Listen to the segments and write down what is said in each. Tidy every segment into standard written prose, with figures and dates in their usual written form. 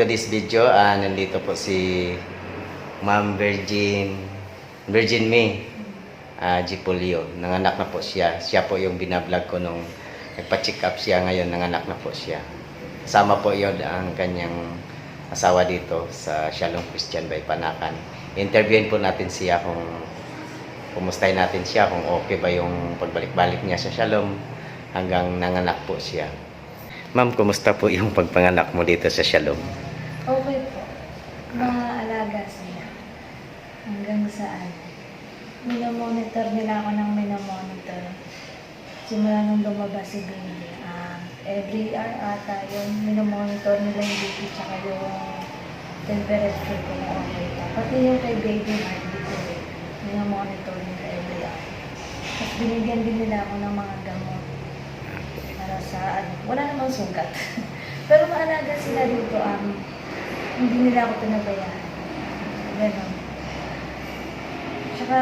today's video, nandito po si Ma'am Virgin May Gipolio. Nanganak na po siya. Siya po yung binablog ko nung nagpa-check up siya. Ngayon nanganak na po siya. Kasama po yon ang kanyang asawa dito sa Shalom Christian by Panakan. Interviewin po natin siya kung kumustahin natin siya, kung okay ba yung pagbalik-balik niya sa Shalom hanggang nanganak po siya. Ma'am, kumusta po yung pagpanganak mo dito sa Shalom? Okay po. Maalaga sila. Hanggang saan. Minomonitor nila ako ng minomonitor. Simula nung lumabas si baby. Every hour ata yun, minomonitor nila yung baby tsaka yung temperature kung okay pa. Pati yung kay baby heartbeat ko minomonitor nila every hour. Tapos binigyan din nila ako ng mga gamot. Para sa wala namang sugat. Pero maalaga sila dito, hindi nila ako pinabayaan. Ganon. Tsaka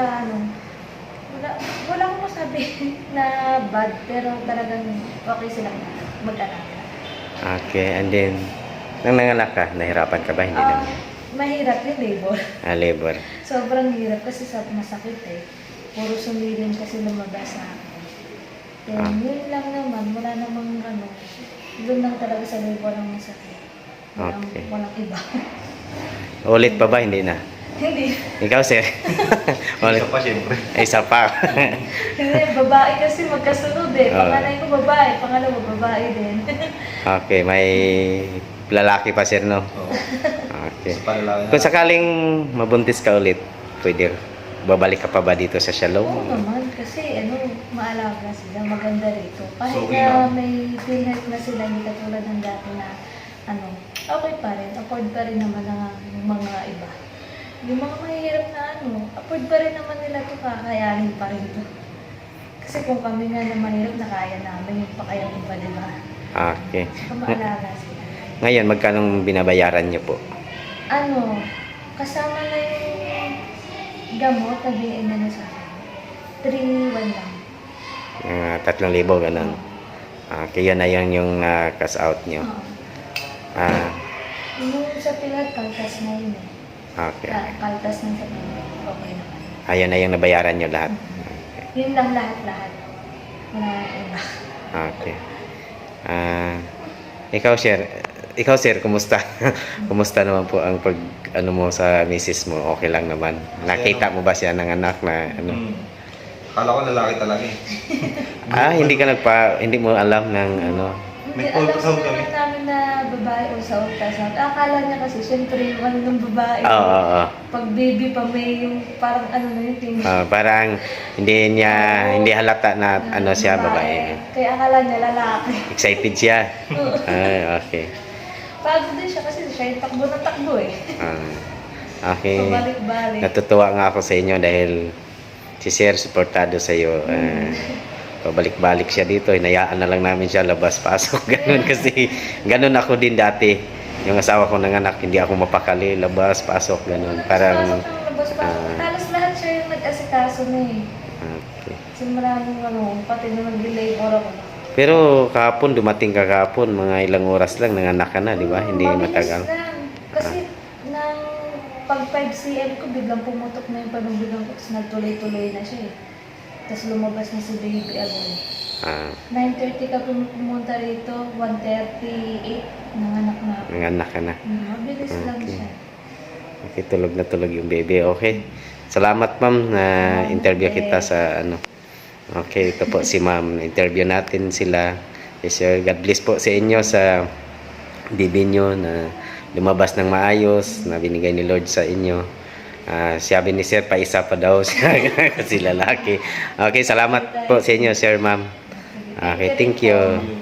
wala akong masabi na bad, pero talagang okay sila mag-alaga. Okay, and then, nang nanganak ka, nahirapan ka ba? Hindi naman. Mahirap yung labor. Labor. Sobrang hirap kasi masakit eh. Puro sumilin kasi lumabas sa akin. Yun lang naman, wala namang doon lang talaga sa labor ang masakit. Walang iba. Ulit pa ba? Hindi na. Hindi. Ikaw, sir? Ulit. Isa pa, siyempre. Isa pa. Hindi, babae kasi magkasunod eh. Panganay ko babae, pangalawa babae din. Okay, may lalaki pa, sir, no? Oo. Okay. Isa pa lalaki na. Kung sakaling mabuntis ka ulit, pwede babalik ka pa ba dito sa Shalom? Oo naman, kasi maalaga sila, maganda rito. Kahit Okay na lang. may PhilHealth na sila, hindi katulad ng dati na okay pa rin, afford pa rin naman ng mga iba. Yung mga mahirap na afford pa rin naman nila ito, kakayanin pa rin ito. Kasi kung kami nga na mahirap, nakaya namin yung pakayanin pa, di ba? Okay. Maalaga sila. Ngayon, magkano binabayaran niyo po? Kasama na yung gamot na BN na sa akin. 3,100 lang. 3,000, ganun. Okay, yun na yun yung cash out niyo. Oo. Yung sa PhilHealth, kaltas na yun eh. Okay. Kaltas na sa PhilHealth. Okay naman. Ayun na yung nabayaran niyo lahat. Yun lang lahat-lahat. Wala na iba. Okay. Ikaw, sir, kumusta? Kumusta naman po ang mo sa misis mo? Okay lang naman. Nakita mo ba siya ng anak na Akala ko lalaki talaga eh. hindi mo alam ng Hindi, May alam ultrasound naman kami. namin na babae o sa ultrasound. Akala niya kasi, syempre, ng babae. Oo. Pag baby pa may yung parang na yung tingin. Parang hindi halata na siya babae. Kaya akala niya lalaki. Excited siya. Okay. Pagod din siya kasi siya yung takbo na takbo eh. Okay. Pabalik-balik. Natutuwa nga ako sa inyo dahil si Sir suportado sa iyo. Pabalik-balik siya dito. Hinayaan na lang namin siya labas-pasok. Ganun kasi, ganun ako din dati. Yung asawa ko nanganak, hindi ako mapakali. Labas-pasok, ganun. Parang, Halos lahat siya yung nag-asikaso na eh. okay. Simula nung pati nung nag-labor ako. Pero kahapon, dumating ka kahapon, mga ilang oras lang, nanganak ka na, di ba? Hindi Mabilis matagal. lang. Kasi nang pag 5 cm ko, biglang pumutok na yung panubigan ko. Tapos nagtuloy-tuloy na siya eh. Tapos lumabas na si baby agad. 9:30 ka pumunta rito, 1:38, nanganak na ako. Nanganak ka na. Mabilis lang siya. Okay, tulog na tulog yung baby. Okay. Salamat, ma'am, na interview kita sa Okay, ito po si ma'am. Interview natin sila. Yes, sir. God bless po sa inyo sa baby nyo na lumabas ng maayos, na binigay ni Lord sa inyo. Sabi ni sir, paisa pa daw siya kasi lalaki. Okay, salamat po sa inyo, sir, ma'am. Okay, thank you.